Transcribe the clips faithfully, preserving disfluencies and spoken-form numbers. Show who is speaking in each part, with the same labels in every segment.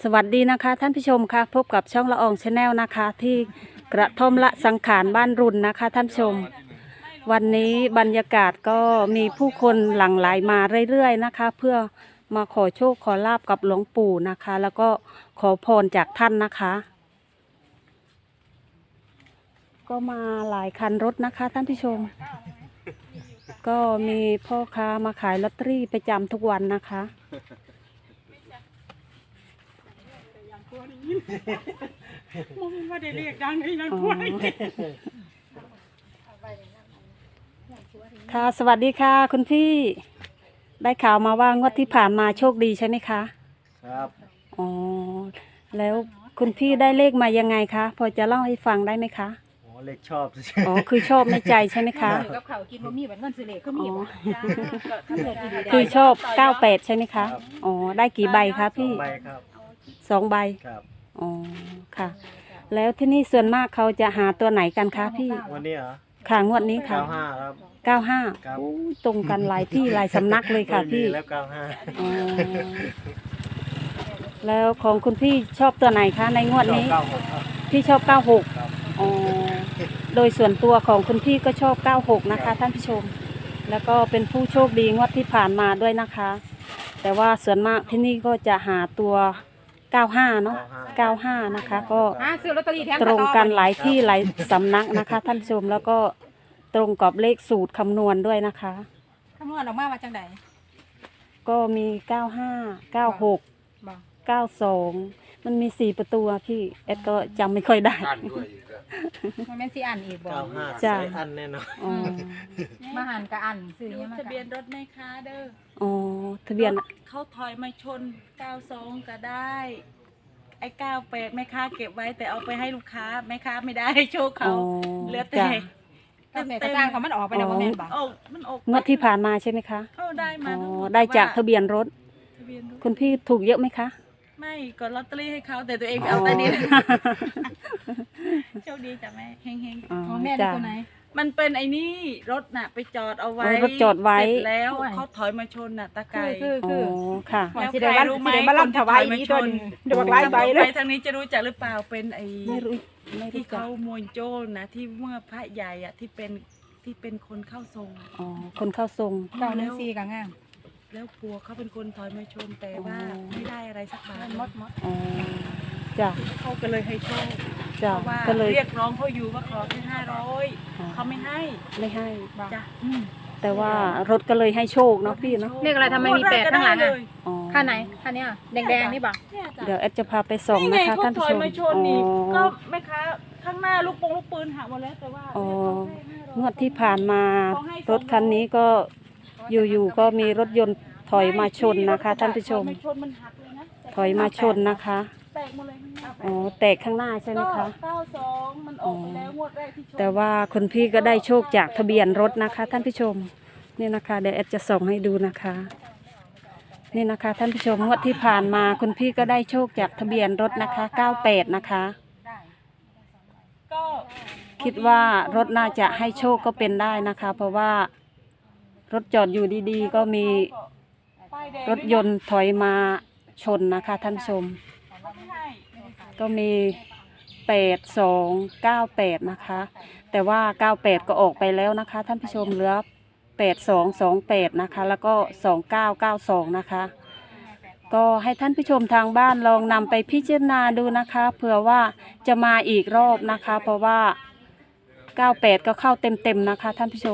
Speaker 1: สวัสดีนะคะท่านผู้ชมค่ะพบกับช่องละอองชาแนลนะคะที่กระท่อมละสังขารบ้านรุนนะคะท่านผู้ชมวันนี้บรรยากาศก็มีผู้คนหลั่งไหลมาเรื่อยๆนะคะเพื่อมาขอโชคขอลาบกับหลวงปู่นะคะแล้วก็ขอพรจากท่านนะคะก็มาหลายคันรถนะคะท่านผู้ชมก็มีพ่อค้ามาขายลอตเตอรี่ประจำทุกวันนะคะ
Speaker 2: มึงว่าได้เรียกดังให้นักวย
Speaker 1: ค่ะสวัสดีค่ะคุณพี่ได้ข่าวมาว่างวดที่ผ่านมาโชคดีใช่ไหมคะ
Speaker 3: ครับ
Speaker 1: อ๋อแล้วคุณพี่ได้เลขมายังไงคะพอจะเล่าให้ฟังได้ไหมคะ
Speaker 3: อ๋อเลขชอบ
Speaker 1: อ๋อคือชอบในใจใช่ไหมคะ
Speaker 2: กับเขากินบะหมี่แบบเงินสิเลก็มี
Speaker 1: คือชอบเก้าแปดใช่ไหมคะอ๋อได้กี่ใบคะพี่
Speaker 3: ใบครับ
Speaker 1: สองใบ
Speaker 3: ครับ
Speaker 1: อ๋อค่ะแล้วที่นี่ส่วนมากเขาจะหาตัวไหนกันคะพี่
Speaker 3: วันนี้เหรอ
Speaker 1: ค่ะงวดนี้ค่ะ
Speaker 3: เก้าห้าครับ
Speaker 1: เก้าห้าตรงกันหลายที่หลายสำนักเลยค่ะพี่
Speaker 3: แล้วเก้าห้า
Speaker 1: อ๋อแล้วของคุณพี่ชอบตัวไหนคะในงวดนี้พี่ชอบเก้าหกอ๋อโดยส่วนตัวของคุณพี่ก็ชอบเก้าหกนะคะท่านผู้ชมแล้วก็เป็นผู้โชคดีงวดที่ผ่านมาด้วยนะคะแต่ว่าส่วนมากที่นี่ก็จะหาตัวเก้าห้าเนาะเก้าห้านะคะก็ตรงกันหลายที่หลายสำนักนะคะท่านผู้ชมแล้วก็ตรงกับเลขสูตรคำนวณด้วยนะคะ
Speaker 2: คำนวณออกมาว่าจังได
Speaker 1: ก็มีเก้าห้าเก้าหกเก้าสองมันมีสี่ประตูพี่เอ็ดก็จำไม่ค่อยได้
Speaker 2: มันไม่สิอันอีกบอก
Speaker 3: จ้าอันแน่นอน
Speaker 2: มาหันกับอันซื้อ
Speaker 4: เนี่ยทะเบียนรถไหมคะเด้อ
Speaker 1: อ๋อทะเบียน
Speaker 4: เขาถอยมาชนเก้าสองก็ได้ไอ้เก้าแปดแม่ค้าเก็บไว้แต่เอาไปให้ลูกค้าแม่ค้าไม่ได้โชคเขาเหลือแต่
Speaker 2: แต่แม่ก็สร้างเขามันออกไปแล้วแม่บอก
Speaker 4: โอ้มันออก
Speaker 1: งวดที่ผ่านมาใช่ไหมคะ
Speaker 4: เออได้มา
Speaker 1: อ๋อได้จากทะเบียนรถคุณพี่ถูกเยอะไหมคะ
Speaker 4: ไม่กดลอตเตอรี่ให้เขาแต่ตัวเองเอาแต่นี้โชคดีจ้ะแม่เฮงเฮง
Speaker 2: ของแม่ดูตัวไหน
Speaker 4: มันเป็นไอ้นี่รถน่ะไปจอดเอาไว้
Speaker 1: รถจอดไว้
Speaker 4: เสร็จแล้วเขาถอยมาชนน่ะตะไคร้
Speaker 2: คือคือ
Speaker 1: ค่ะ
Speaker 4: แล้วใครรู้ไหม
Speaker 2: คนที่ถอยมาชนเดี๋ยวบอกไล่ใบเลย
Speaker 4: ทางนี้จะรู้จักหรือเปล่าเป็นไอ้
Speaker 1: ไม่รู้
Speaker 4: ที่เขามวยโจ้นะที่เมื่อพระใหญ่อ่ะที่เป็นที่เป็นคนเข้าทรง
Speaker 1: อ๋อคนเข้าทรง
Speaker 2: เก้าหนึ่งสี่กับง่าง
Speaker 4: แล้วปัวเขาเป็นคนถอยมาชนแต่ว่าไม่ได้อะไรสักบาท
Speaker 2: มดมด
Speaker 1: อ๋อจ้ะ
Speaker 4: เขาก็เลยให้โชค
Speaker 1: จ้ะ
Speaker 4: ก็เลยเรียกร้องเขาอยู่ว่าขอแค่ห้าร้อยเขาไม่ให้
Speaker 1: ไม่ให้
Speaker 4: จ้ะ
Speaker 1: แต่ว่ารถก็เลยให้โชคเนาะพี่เนาะ
Speaker 2: เรียกอะไรทำไมมีแปดข้างหลังอ่ะข้างไหนข้างเนี้ยแดงๆนี่บ่
Speaker 1: เดี๋ยวแอดจะพาไปส่งนะคะท่านผู้ชม
Speaker 4: ก็แม่ค้าข้างหน้าลูกปงลูกปืนหักหมดแล้วแต่ว่า
Speaker 1: อ๋องวดที่ผ่านมารถคันนี้ก็อยู่ๆก็มีรถยนต์ถอยมาชนนะคะท่านผู้ชมถอยมาชนนะคะอ๋อแตกข้างหน้าใช่ไหมคะแต่ว่าคุณพี่ก็ได้โชคจากทะเบียนรถนะคะท่านผู้ชมนี่นะคะเดี๋ยวแอดจะส่งให้ดูนะคะนี่นะคะท่านผู้ชมงวดที่ผ่านมาคุณพี่ก็ได้โชคจากทะเบียนรถนะคะเก้าแปดนะคะคิดว่ารถน่าจะให้โชคก็เป็นได้นะคะเพราะว่ารถจอดอยู่ดีๆก็มีรถยนต์ถอยมาชนนะคะท่านผู้ชมก็มีแปดสองเก้าแปดนะคะแต่ว่าเก้าแปดก็ออกไปแล้วนะคะท่านผู้ชมเหลือแปดสองสองแปดนะคะแล้วก็สองเก้าเก้าสองนะคะก็ให้ท่านผู้ชมทางบ้านลองนำไปพิจารณาดูนะคะเผื่อว่าจะมาอีกรอบนะคะเพราะว่าเก้าแปดก็เข้าเต็มๆนะคะท่านผู้ชม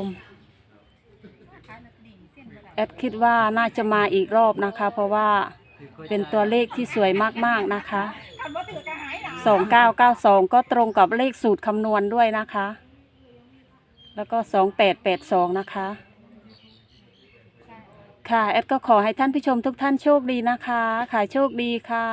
Speaker 1: แอดคิดว่าน่าจะมาอีกรอบนะคะเพราะว่าเป็นตัวเลขที่สวยมากๆนะคะสองเก้าเก้าสองก็ตรงกับเลขสูตรคำนวณด้วยนะคะแล้วก็สองแปดแปดสองนะคะค่ะแอดก็ขอให้ท่านผู้ชมทุกท่านโชคดีนะคะขายโชคดีค่ะ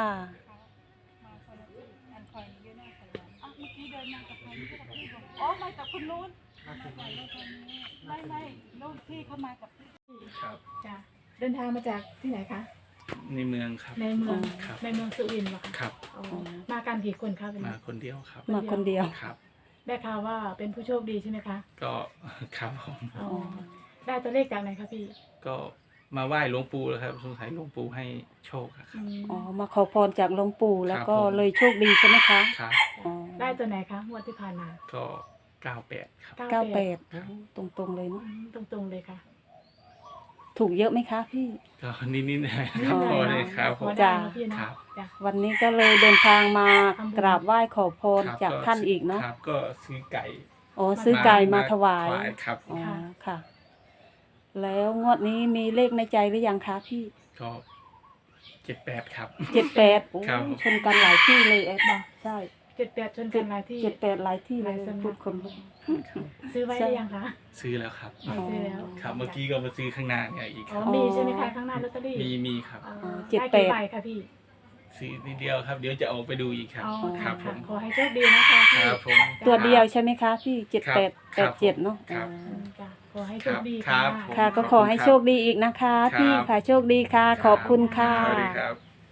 Speaker 4: อ๋อมากับคุณนู้นไม่ไม่นู้นที่เขามากับพี่
Speaker 5: ครับ
Speaker 2: จ้ะเดินทางมาจากที่ไหนคะ
Speaker 5: ในเมืองครับ
Speaker 2: ในเมืองในเมืองสุรินทร์เหรอคะ
Speaker 5: ครับ
Speaker 2: มากันกี่คนครับ
Speaker 5: มาคนเดียวครับ
Speaker 1: มาคนเดียว
Speaker 5: ครับ
Speaker 2: ได้ข่าวว่าเป็นผู้โชคดีใช่ไหมคะ
Speaker 5: ก็ครับผม
Speaker 2: ได้ตัวเลขจากไหนคะพี่
Speaker 5: ก็มาไหว้หลวงปู่แล้วครับสงสัยหลวงปู่ให้โชคอะครับ
Speaker 1: อ๋อมาขอพรจากหลวงปู่แล้วก็
Speaker 5: ครับผม
Speaker 1: เลยโชคดีใช่ไหมคะ
Speaker 5: ครับ
Speaker 1: อ๋อ
Speaker 2: ได้ตัวไหนคะงวดที่ผ่านมา
Speaker 5: ก็เก้าแปดครับ
Speaker 1: เก้าแปด
Speaker 5: ครับ
Speaker 1: ตรงๆเลย
Speaker 2: อื
Speaker 1: เนาะ
Speaker 2: มตรงๆเลยค่ะ
Speaker 1: ถูกเยอะไหมคะพี่
Speaker 5: ก็นิดๆหน่อยๆครับพอเลยครับผ
Speaker 2: พอ
Speaker 5: ม
Speaker 2: ได้
Speaker 1: จ้ะ
Speaker 2: เนาะพี่เนาะ
Speaker 5: ครับ
Speaker 2: จ้ะ
Speaker 1: วันนี้ก็เลยเดินทางมากราบไหว้ขอพร
Speaker 5: ครับ
Speaker 1: จากท่านอีกเนาะ
Speaker 5: ครับก็ซื้อไก่
Speaker 1: อ๋อซื้อไก่มาถวาย
Speaker 5: ครับ
Speaker 1: อ๋อค่ะ แล้วงวดนี้มีเลขในใจหรือยังคะพี่
Speaker 5: ก็เจ็ดแปดครับ
Speaker 1: เจ็ดแปดโอ้
Speaker 5: ครับ
Speaker 1: ชนกันหลายที่เลยแอดบอกใช่
Speaker 2: เจ็ดแปดชนกันหลายที่
Speaker 1: เจ็ดแปดหลายที่เลย
Speaker 2: หลายสำนัก
Speaker 1: พูดคนลุก
Speaker 2: ซื้อไว้ได้ยังคะ
Speaker 5: ซื้อแล้วครับ
Speaker 2: อ๋อซื้อแล้ว
Speaker 5: ครับเมื่อกี้ก็มาซื้อข้างหน้าเนี่ยอีกค
Speaker 2: อ๋อ
Speaker 5: รับ
Speaker 2: มีใช่ไหมคะข้างหน้าลอตเตอรี่
Speaker 5: มีมีครับ
Speaker 2: อ๋อ
Speaker 1: อ๋อเจ็ด
Speaker 2: ได้
Speaker 1: แป
Speaker 2: กี่
Speaker 1: ด
Speaker 2: ใบคะพี่
Speaker 5: ซื้อนิดเดียวครับ เดี๋ยวจะออกไปดูอีกครับ
Speaker 2: อ๋อ
Speaker 5: ค
Speaker 2: ค่ะ
Speaker 5: รับผ
Speaker 2: ค่ะ
Speaker 5: ม
Speaker 2: ขอให้โชคดีนะคะพี่
Speaker 5: ครับผม
Speaker 1: ตัวเดียวใช่ไหมคะพี่เจ็ด
Speaker 5: ครับ
Speaker 1: แปด
Speaker 5: ค
Speaker 1: แป
Speaker 5: รั
Speaker 1: ด
Speaker 5: บ
Speaker 1: เจ็ดเนาะ
Speaker 5: ครับ
Speaker 1: อ๋อ
Speaker 2: อืมจ้ะขอให้โช
Speaker 5: ครั
Speaker 2: ค
Speaker 5: บ
Speaker 2: ดี
Speaker 5: ครั
Speaker 2: ค่ะ
Speaker 5: บผม
Speaker 1: ค่ะก็ขอให้โชคดีอีกนะคะ
Speaker 5: ครับ
Speaker 1: พี่ค่ะโชคดีค่ะ ขอบคุณค่ะ
Speaker 5: สวัสดีครับ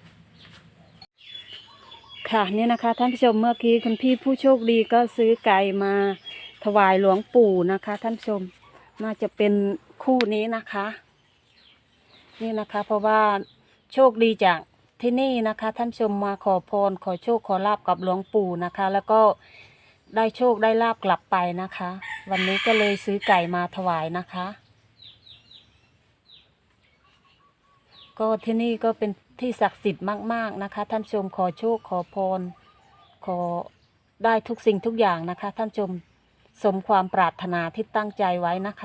Speaker 1: ค่ะนี่นะคะท่านผู้ชมเมื่อกี้คุณพี่ผู้โชคดีก็ซื้อไก่มาถวายหลวงปู่นะคะ ท่านผู้ชมน่าจะเป็นคู่นี้นะคะ นี่นะคะ เพราะว่าโชคดีจากที่นี่นะคะ ท่านผู้ชมมาขอพรขอโชคขอลาบกับหลวงปู่นะคะ แล้วก็ได้โชคได้ลาบกลับไปนะคะ วันนี้ก็เลยซื้อไก่มาถวายนะคะ ก็ที่นี่ก็เป็นที่ศักดิ์สิทธิ์มากๆนะคะ ท่านผู้ชมขอโชคขอพร ขอได้ทุกสิ่งทุกอย่างนะคะ ท่านผู้ชมสมความปรารถนาที่ตั้งใจไว้นะคะ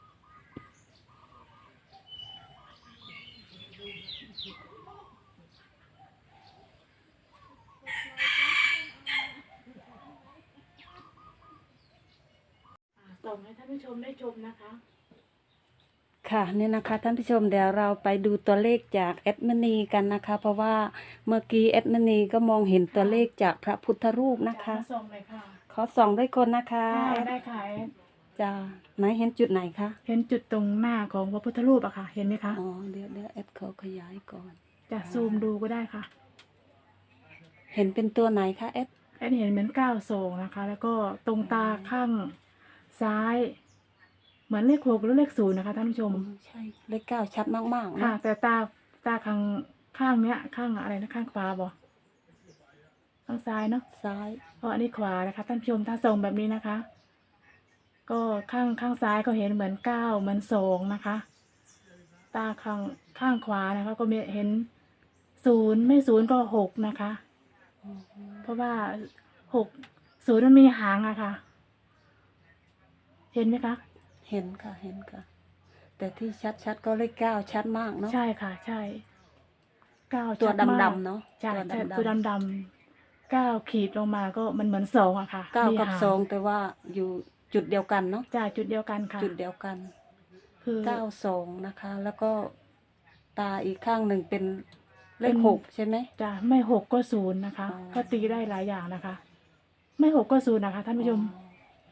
Speaker 2: ส่งให้ท่านผู้ชมได้ชมนะคะ
Speaker 1: ค่ะนี่นะคะท่านผู้ชมเดี๋ยวเราไปดูตัวเลขจากแอดมินีกันนะคะ เพราะว่าเมื่อกี้แอดมินีก็มองเห็นตัวเลขจากพระพุทธรูปนะคะ
Speaker 2: ส่งเลยค่ะ
Speaker 1: ขอส่องด้วยคนนะคะ
Speaker 2: ค่ะ
Speaker 1: แอด
Speaker 2: ได้ค่ะ
Speaker 1: จ้าไหนเห็นจุดไหนคะ
Speaker 2: เห็นจุดตรงหน้าของพระพุทธรูปอะค่ะ เห็นไหมคะ
Speaker 1: อ๋อเดี๋ยวเดี๋ยวแอดขอขยายก่อน
Speaker 2: จะซูมดูก็ได้ค่ะ
Speaker 1: เห็นเป็นตัวไหนคะแอด
Speaker 2: แอนเห็นเหมือนเก้าทรงนะคะ แล้วก็ตรงตาข้างซ้าย เหมือนเลขหกหรือเลขศูนย์นะคะท่านผู้ชม
Speaker 1: อ๋อใช่เลขเก้าชัดมากๆ
Speaker 2: ค่ะ
Speaker 1: นะ
Speaker 2: แต่ตาตาข้างข้างเนี้ย ข้างอะไรนะข้างขวาบอข้างซ้ายเนาะ
Speaker 1: ซ้าย
Speaker 2: เพราะอันนี้ขวานะคะท่านผู้ชมถ้าส่งแบบนี้นะคะ ก็ข้างข้างซ้ายก็เห็นเหมือนเก้าเหมือนสองนะคะ ตาข้างข้างขวานะคะ ก็มีเห็นศูนย์ไม่ศูนย์ก็หกนะคะ เพราะว่าหกศูนย์มันมีหางอะค่ะ เห็นไหมคะ
Speaker 1: เห็นค่ะเห็นค่ะ แต่ที่ชัดๆก็เลขเก้าชัดมากเนาะ
Speaker 2: ใช่ค่ะ ใช่เก้า
Speaker 1: ตัว
Speaker 2: ชัมาก
Speaker 1: ดำๆเนาะ
Speaker 2: ใช่
Speaker 1: ตัว
Speaker 2: ใช่
Speaker 1: ดำๆ
Speaker 2: ตัวดำๆเก้าขีดลงมาก็มันเหมือนสองอะค่ะ
Speaker 1: เก้ากับ
Speaker 2: มีห
Speaker 1: สองแต่ว่าอยู่จุดเดียวกันเนาะ
Speaker 2: จ่ายจุดเดียวกันค่ะ
Speaker 1: จุดเดียวกัน
Speaker 2: คือ
Speaker 1: เก้าสองนะคะ แล้วก็ตาอีกข้างหนึ่งเป็นเล
Speaker 2: เป็
Speaker 1: ข
Speaker 2: น
Speaker 1: หกใช่ไหม
Speaker 2: จะไม่หกก็ศูนย์นะคะ
Speaker 1: อ๋อ
Speaker 2: ก็ตีได้หลายอย่างนะคะ ไม่หกก็ศูนย์นะคะ ท่านผู้ชม
Speaker 1: อ๋อ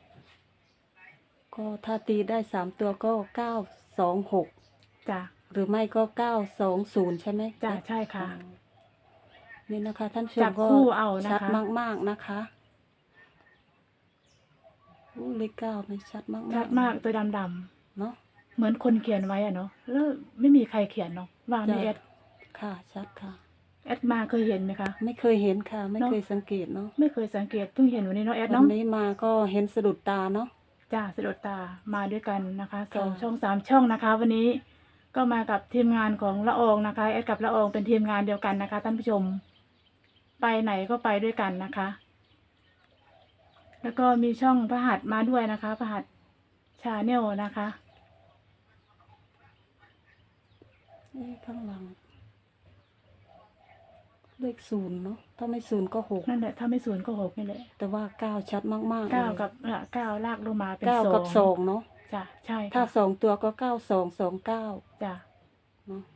Speaker 1: ก็ถ้าตีได้สามตัวก็เก้าสองหก
Speaker 2: จ้ะ
Speaker 1: หรือไม่ก็เก้าสองศูนย์ใช่ไหม
Speaker 2: จ้ะใช่ค่ะ
Speaker 1: อ๋อนี่นะคะ ท่านผู้ช
Speaker 2: จั
Speaker 1: ม
Speaker 2: บ
Speaker 1: ก็
Speaker 2: คู่เอานะคะ
Speaker 1: ชัดมากๆนะคะอู้เลขเก้ามันชัดมากๆ
Speaker 2: ชัดมากตัวดำ
Speaker 1: เนาะ
Speaker 2: ๆเหมือนคนเขียนไว้อะเนาะแล้วไม่มีใครเขียนเนาะว่าไม่
Speaker 1: จ้ะ
Speaker 2: แอด
Speaker 1: ค่ะชัดค่ะ
Speaker 2: แอดมาเคยเห็นไหมคะ
Speaker 1: ไม่เคยเห็นค่ะ ไม่
Speaker 2: เนอะ
Speaker 1: เคยสังเกตเนาะ
Speaker 2: ไม่เคยสังเกตเพิ่งเห็นวันนี้เนาะแอด
Speaker 1: วั
Speaker 2: เนาะ
Speaker 1: นนี้มาก็เห็นสะดุดตาเนาะ
Speaker 2: จ้าสะดุดตามาด้วยกันนะคะสอง
Speaker 1: ค่ะ
Speaker 2: ช่องสามช่องนะคะ วันนี้ก็มากับทีมงานของละอองนะคะแอดกับละอองเป็นทีมงานเดียวกันนะคะ ท่านผู้ชม ไปไหนก็ไปด้วยกันนะคะ แล้วก็มีช่องพระหัตถ์มาด้วยนะคะพระหัตถ์ชาแนลนะคะ
Speaker 1: เอ๊ะข้างหลัง เลขศูนย์เนาะถ้าไม่ศูนย์ก็หก
Speaker 2: นั่นแหละถ้าไม่ศูนย์ก็หกนี่แหละ
Speaker 1: แต่ว่าเก้าชัดมากๆ
Speaker 2: เก้า
Speaker 1: ลย
Speaker 2: กับเอ่อเก้าลากลงมาเป็น
Speaker 1: เก้า
Speaker 2: สอง
Speaker 1: กับสองเนาะ
Speaker 2: จ้ะใช่
Speaker 1: ถ้า
Speaker 2: ค่ะ
Speaker 1: สองตัวก็เก้าสองสองเก้า
Speaker 2: จ้ะ
Speaker 1: เนาะ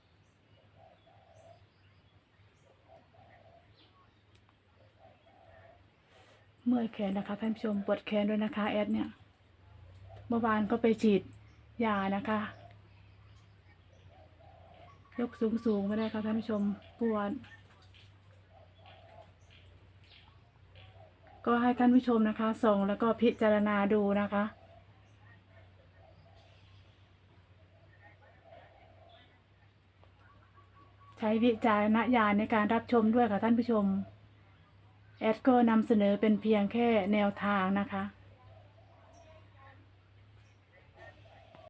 Speaker 2: เมื่อยแขนนะคะ ท่านผู้ชมปวดแขนด้วยนะคะแอดเนี่ย เมื่อวานก็ไปฉีดยานะคะ ยกสูงสูงไม่ได้ค่ะท่านผู้ชมปวดก็ให้ท่านผู้ชมนะคะส่งแล้วก็พิจารณาดูนะคะช้วิจารณญาณในการรับชมด้วยค่ะท่านผู้ชมแอดก็นำเสนอเป็นเพียงแค่แนวทางนะคะ